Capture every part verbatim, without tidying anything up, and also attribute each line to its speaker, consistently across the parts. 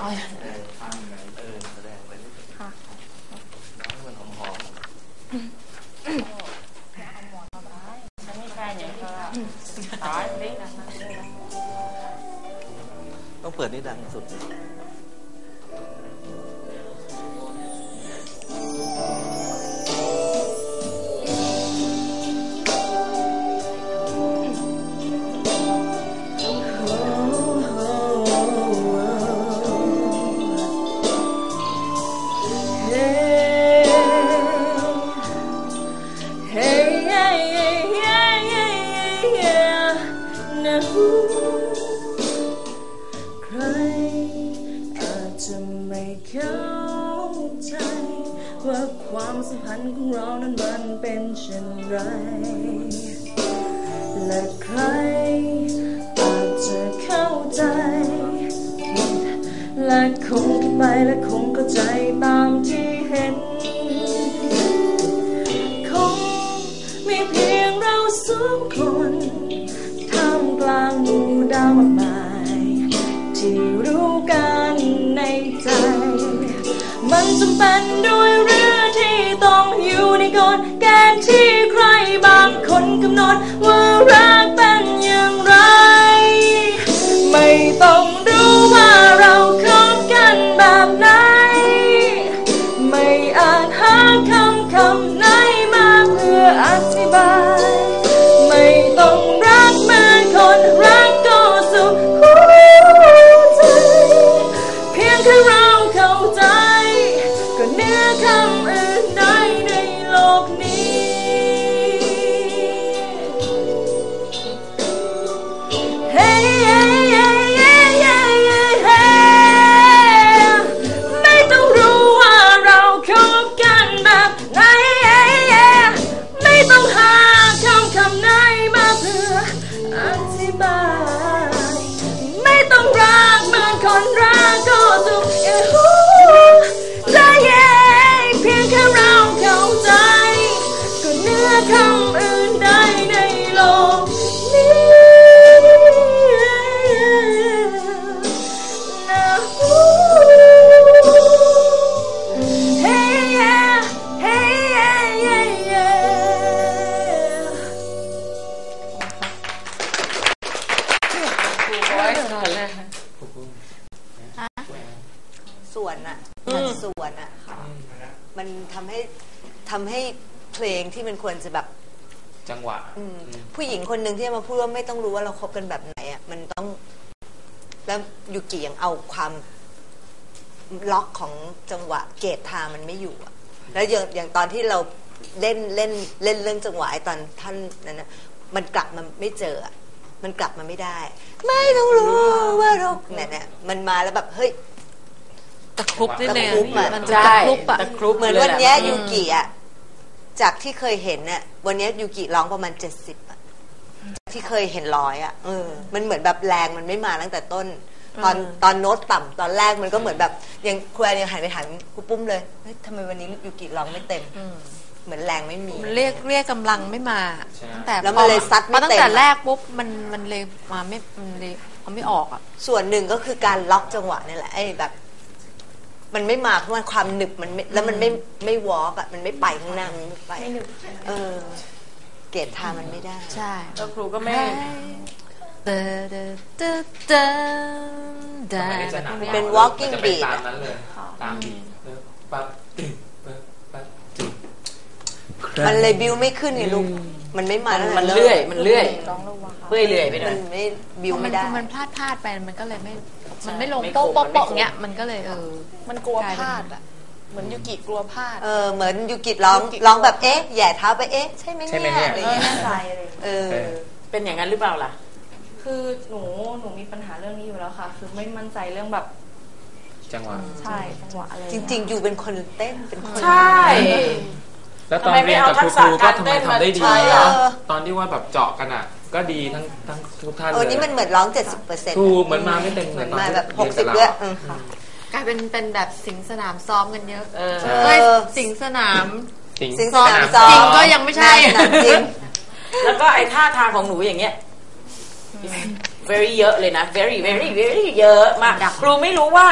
Speaker 1: ฟังเลยเออแสดงไปนิดค่ะน้องมันหอมหอม
Speaker 2: ฉันมีแฟนอย่างเธอตายสิ
Speaker 1: ต้องเปิดนี่ดังสุด
Speaker 3: ว่าความสัมพันธ์ของเรานั้นมันเป็นเช่นไรและใครอาจจะเข้าใจและคงคิดไปและคงเข้าใจตามที่เห็นคงมีเพียงเราสองคนท่ามกลางหมู่ดาวมากมายที่รู้กันในใจมันจำเป็นด้วยเรื่องที่ต้องอยู่ในกฎเกณฑ์ที่ใครบางคนกำหนดว่ารักเป็นอย่างไรไม่ต้องรู้ว่าเราคบกันแบบไหนไม่อาจหาคำคำไหนมาเพื่ออธิบายไม่ต้องรักเหมือนคนรักก็สุขหัวใจเพียงแค่เราเข้าใจก็เหนือคำอื่นใดในโลกนี้เฮ้ไม่ต้องรู้ว่าเราคบกันแบบไหนไม่ต้องหาคำคำไหนมาเพื่ออธิบายไม่ต้องรักเหมือนคนรักก็สุขใจเพียงแค่เราเข้าใจก็เหนือคำอื่นใดในโลกนี้นะเฮ้เฮ้เฮ้เฮ้
Speaker 4: ส่วนอะส่วนอะมันทำให้ทำให้เพลงที่มันควรจะแบบ
Speaker 1: จังหวะ
Speaker 4: ผู้หญิงคนหนึ่งที่มาพูดว่าไม่ต้องรู้ว่าเราคบกันแบบไหนอะมันต้องแล้วยูกิยังเอาความล็อกของจังหวะเกตทามันไม่อยู่อะแล้วอย่างอย่างตอนที่เราเล่นเล่นเล่นเรื่องจังหวะไอ้ตอนท่านนั้นนะมันกลับมาไม่เจอมันกลับมาไม่ได้ไม่ต้องรู้ว่าเราเนี่ยเนี่ยมันมาแล้วแบบเฮ้ย
Speaker 2: ตะครุบนิดนึง
Speaker 4: มันจะตะครุบอะเหมือนวันนี้ยูกิอะจากที่เคยเห็นเนี่ยวันนี้ยูกิร้องประมาณเจ็ดสิบอะที่เคยเห็นร้อยอะเออมันเหมือนแบบแรงมันไม่มาตั้งแต่ต้นตอนตอนโน้ตต่ำตอนแรกมันก็เหมือนแบบยังครูแอนยังหันไปถามครูปุ้มเลยเฮ้ยทำไมวันนี้ยูกิร้องไม่เต็มเหมือนแรงไม่มี
Speaker 2: มันเรียกเรียกกำลังไม่มาตั้งแต่
Speaker 4: แล้วมันเลยซัดไม่เต็ม
Speaker 2: ตั้งแต่แรกปุ๊บมันมันเลยมาไม่มันเลยเอาไม่ออกอ่ะ
Speaker 4: ส่วนหนึ่งก็คือการล็อกจังหวะนี่แหละไอ้แบบมันไม่มาเพราะว่าความหนึบมันแล้วมันไม่ไม่วอล์กอ่ะมันไม่ไปข้างหน้ามันไม่ไปเออเกตทามันไม่ได้
Speaker 2: ใช่
Speaker 5: แล้วครูก็ไม่
Speaker 2: เดเดเดเดเด
Speaker 4: เป็น walking beat
Speaker 1: ตามนั้นเลยตามบีทปั๊บตึ๊บปั๊บตึ๊บ
Speaker 4: มันเลยบิวไม่ขึ้นไงลูกมันไม่มาแล้ว
Speaker 5: มันเลื่อยมันเลื่อยเลื่อยเลื่อยไปหน่อย
Speaker 4: มันไม่บิวไม่ได้
Speaker 2: มันพลาดพลาดไปมันก็เลยไม่มันไม่ลงโป๊ะโป๊ะโป๊ะเงี้ยมันก็เลยเออ
Speaker 3: มันกลัวพลาดอ่ะเหมือนยูกิกลัวพลาด
Speaker 4: เออเหมือนยูกิร้องร้องแบบเอ๊ะแย่เท้าไปเอ๊ะใช่ไหมเนี่ยอะไรเงี้ย
Speaker 3: ใจเลย
Speaker 4: เออ
Speaker 5: เป็นอย่างนั้นหรือเปล่าล่ะ
Speaker 3: คือหนูหนูมีปัญหาเรื่องนี้อยู่แล้วค่ะคือไม่มั่นใจเรื่องแบบ
Speaker 1: จังหวะ
Speaker 3: ใช่จังหวะอะไร
Speaker 4: จริงๆอยู่เป็นคนเต้นเป็นคน
Speaker 5: ใช่
Speaker 1: แล้วตอนเรียนกับครูครูก็ทำไมทำได้ดีเนาะตอนที่ว่าแบบเจาะกันอ่ะก็ดีทั้งทั้งทุกท่านเลย
Speaker 4: โอ้นี่มันเหมือนร้องเจ็ดสิบเปอร์เซ็นต์
Speaker 1: ถูกเหมือนมาไม่เต็ม
Speaker 4: เหมือนมาแบบหกสิบด้วย
Speaker 2: กลายเป็นเป็นแบบสิงสนามซ้อมกันเยอะ
Speaker 4: เออ
Speaker 2: สิงสนาม
Speaker 4: สิงสนามซ้อม
Speaker 2: จริงก็ยังไม่ใช่
Speaker 4: จริง
Speaker 5: แล้วก็ไอ้ท่าทางของหนูอย่างเงี้ย very เยอะเลยนะ very very very เยอะมากครูไม่รู้ว่า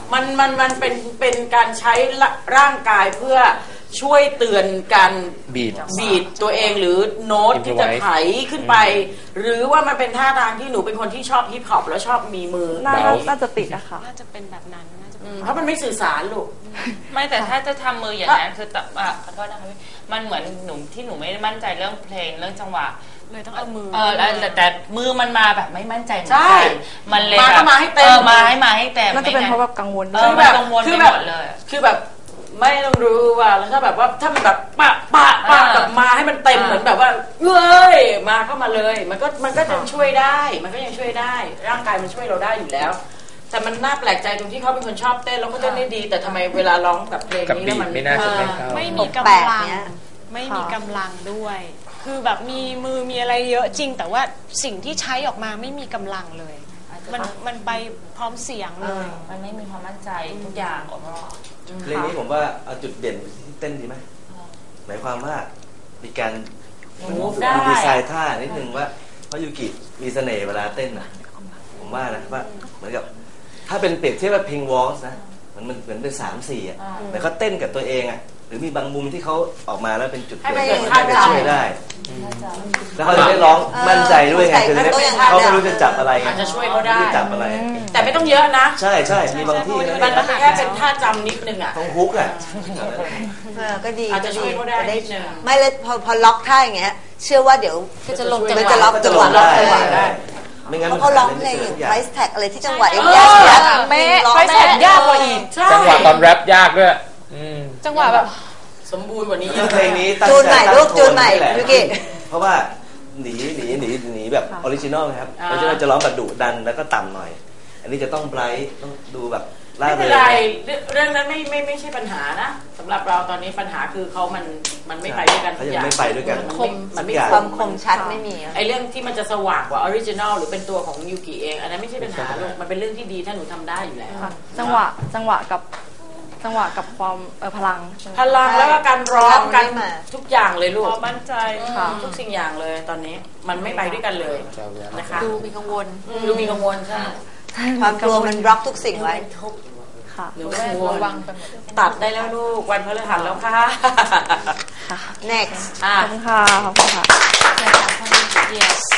Speaker 5: มันมันมันเป็นเป็นการใช้ร่างกายเพื่อช่วยเตือนการ
Speaker 1: บีท
Speaker 5: บีทตัวเองหรือโน้ตที่จะไถขึ้นไป หรือว่ามันเป็นท่าทางที่หนูเป็นคนที่ชอบฮิปฮอปแล้วชอบมีมือ
Speaker 6: น่าน่าจะติดอะค่ะ
Speaker 2: น่าจะเป็นแบบนั้นน่าจะ
Speaker 5: อืมเพราะมันไม่สื่อสารลูก
Speaker 7: ไม่แต่ถ้าจะทำมืออย่างนั้นคือแต่อ่ะขอโทษนะคะพี่มันเหมือนหนูที่หนูไม่ได้มั่นใจเรื่องเพลงเรื่องจังหวะ
Speaker 2: เลยต้องเอามือ
Speaker 7: เออแล้วแต่แต่มือมันมาแบบไม่มั่นใจเหมือน
Speaker 5: ใช่
Speaker 7: กันมันเลย
Speaker 5: มาก็
Speaker 7: แบบ
Speaker 5: มาให้เต็ม
Speaker 7: ออมาให้มาให้เต็ม
Speaker 6: น่าจะเป็น
Speaker 7: ไม่งั้
Speaker 6: เพราะแบบกังวล
Speaker 7: เอ
Speaker 6: ด้วย
Speaker 7: อมันกังวล
Speaker 5: คื
Speaker 7: ไป
Speaker 5: อแบบ
Speaker 7: หมดเลย
Speaker 5: คือแบบไม่ต้องรู้ว่าแล้วถ้าแบบว่าถ้ามันแบบปะปะปะ
Speaker 7: อ่า
Speaker 5: แบบมาให้มันเต็ม
Speaker 7: อ่า
Speaker 5: เหมือนแบบว่าเอ้ยมาเข้ามาเลย มันก็มันก็จะช่วยได้ มันก็ยังช่วยได้ ร่างกายมันช่วยเราได้อยู่แล้ว แต่มันน่าแปลกใจตรงที่เขาเป็นคนชอบเต้นแล้วก็เต้นได้ดี แต่ทำไมเวลาร้องกับเพลง
Speaker 1: กับ
Speaker 5: นี้
Speaker 1: บี
Speaker 5: แล้ว
Speaker 1: ท
Speaker 5: มัน
Speaker 1: ไม่น่าจะไม่เข้า
Speaker 2: ไม่มีกำ
Speaker 4: แปลก
Speaker 2: ลัง
Speaker 4: เนี้ย
Speaker 2: ไม่มีกำลังด้วย คือแบบมีมือมีอะไรเยอะจริง แต่ว่าสิ่งที่ใช้ออกมาไม่มีกำลังเลย มันมันไปพร้อมเสียงเลย
Speaker 7: มันไม่มีความมั่นใจทุกอย่างออกมา
Speaker 8: เพลงนี้ผมว่าเอาจุดเด่นที่เต้นดีไหมหมายความว่ามีการ
Speaker 5: มูฟได้
Speaker 8: มีดีไซน์ท่านิดนึงว่าเพราะยูกิมีเสน่ห์เวลาเต้นนะผมว่านะว่าเหมือนกับถ้าเป็นเปรียบเทียบกับเพลงวอลส์นะมันมันเหมือนเป็นสามสี่อ่ะแต่เขาเต้นกับตัวเองอ่ะหรือมีบางมุมที่เขาออกมาแล้วเป็นจุดเด่น
Speaker 5: ให้
Speaker 8: ที่
Speaker 5: มัน
Speaker 8: เขา
Speaker 5: เห็น
Speaker 8: จะช่วยได้ แล้วเขาจะได้ร้องมั่นใจด้วยไง
Speaker 4: เออ
Speaker 8: คือ
Speaker 4: เข้าใจ
Speaker 8: เขาไม่รู้จะจับอะไรไง
Speaker 5: อาจจะช่วยเขาได้
Speaker 8: ไม่รู้จะจับอะไร
Speaker 5: แต่ไม่ต้องเยอะนะ
Speaker 8: ใช่ใช่มีบางที่นะ
Speaker 5: มันแค่เป็นท่าจำนิดนึงอ่ะ
Speaker 8: ต้องฮุกอ่ะ
Speaker 4: เออก็ดี
Speaker 5: อาจจะช่วยเขาได้
Speaker 4: จะ
Speaker 5: นิดนึง
Speaker 4: ไม่เลยพอพอล็อกท่าอย่างเงี้ย เชื่อว่าเดี๋ยว
Speaker 2: ก็จะลงจังห
Speaker 4: มัน
Speaker 2: วะ
Speaker 4: จะล็อก
Speaker 8: ก็
Speaker 4: จั
Speaker 8: จะ
Speaker 4: ง
Speaker 8: ล
Speaker 4: หวะ
Speaker 8: ง
Speaker 4: ล็
Speaker 8: ได้
Speaker 4: อกจังหวะ
Speaker 8: ได้ไม่งั้น
Speaker 4: เพ
Speaker 8: มัน
Speaker 4: ราะเขาร้องเพลงอย่าง ไพรส์แท็กอะไรที่จังหวะเอ็ม
Speaker 5: เออ
Speaker 4: ยากเสีย
Speaker 2: เป๊ะ
Speaker 4: ร้อง
Speaker 2: ไพรส์แท็กยากกว่าอีก
Speaker 5: ใช่
Speaker 1: จังหวะตอนแรปยากด้วยอืม
Speaker 2: จังหวะแบบ
Speaker 5: สมบูรณ์กว่านี้เย
Speaker 8: คือ
Speaker 5: อะ
Speaker 8: เพลงนี้ตั้ง
Speaker 4: จูนใหม่
Speaker 8: ใจ
Speaker 4: ลูก
Speaker 8: ตั้ง
Speaker 4: จูนใหม่
Speaker 8: โทแหละ
Speaker 4: ยูกิ
Speaker 8: เพราะว่าหนีหนีหนีหนีแบบออริจินอลนะครับออริจินอลจะร้องแบบดุดันแล้วก็ต่ำหน่อย อันนี้จะต้องไบรท์ต้องดูแบบล่า
Speaker 5: ไม่
Speaker 8: เริ
Speaker 5: เป็น
Speaker 8: ง
Speaker 5: ไรเรื่องนั้นไม่ไม่ไม่ใช่ปัญหานะสำหรับเราตอนนี้ปัญหาคือเขามันมันไม่ไปด้วยกัน
Speaker 8: เขายังไม่ไปด้วยกัน
Speaker 5: มันไม่มันไม่
Speaker 8: ทุกอย่าง
Speaker 4: ความคมชัดไม่มีอะ
Speaker 5: ไอเรื่องที่มันจะสว่างกว่าออริจินอลหรือเป็นตัวของยูกิเองอันนั้นไม่ใช่ปัญหาลูกมันเป็นเรื่องที่ดีถ้าหนูทำได้อยู่แล้ว
Speaker 6: ค่ะจังหวะจังหวะกับจังหวะกับความเออพลังใช่ไหม
Speaker 5: พลังแล้วก็การร้องกัน
Speaker 4: ไม่มา
Speaker 5: ทุกอย่างเลยลูก
Speaker 2: ความมั่นใจ
Speaker 6: ค่ะ
Speaker 5: ทุกสิ่งอย่างเลยตอนนี้มันไม่ไปด้วยกันเลยนะคะ
Speaker 2: ดูมีกังวล
Speaker 5: อืมดูมีกังวลใช่
Speaker 4: ความกลัวมันบล็อกทุกสิ่งไว้
Speaker 6: ค่ะ
Speaker 5: หนูกังวล
Speaker 2: ระวังไปหมด
Speaker 5: ตัดได้แล้วลูกวันพฤหัสแล้วค่ะ
Speaker 6: ค่ะ
Speaker 4: next
Speaker 5: อ่ะ
Speaker 6: ขอบคุณค่ะขอบคุณค่ะ
Speaker 2: yes